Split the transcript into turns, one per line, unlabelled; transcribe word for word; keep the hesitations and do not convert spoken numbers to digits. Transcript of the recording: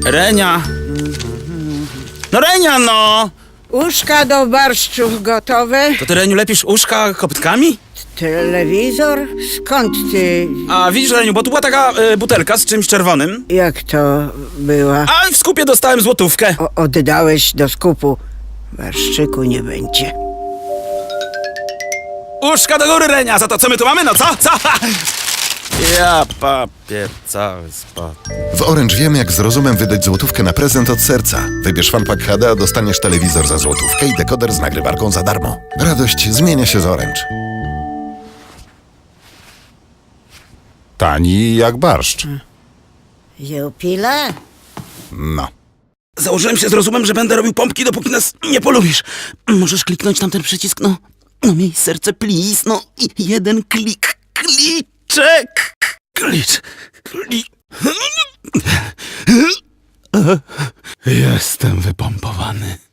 Renia. No Renia, no!
Uszka do barszczów gotowe.
To ty, Reniu, lepisz uszka koptkami?
Telewizor? Skąd ty?
A widzisz, Reniu, bo tu była taka y, butelka z czymś czerwonym.
Jak to była?
A w skupie dostałem złotówkę.
O, oddałeś do skupu. Barszczyku nie będzie.
Uszka do góry, Renia, za to co my tu mamy, no co? Co? Ja papier cały spadł.
W Orange wiemy, jak z rozumem wydać złotówkę na prezent od serca. Wybierz FunPack H D, a dostaniesz telewizor za złotówkę i dekoder z nagrywarką za darmo. Radość zmienia się z Orange.
Tani jak barszcz.
Jupile?
No.
Założyłem się z rozumem, że będę robił pompki, dopóki nas nie polubisz. Możesz kliknąć tam ten przycisk, no. No miej serce, please, no. I jeden klik. Kliczek. Klicz. Klicz. Jestem wypompowany.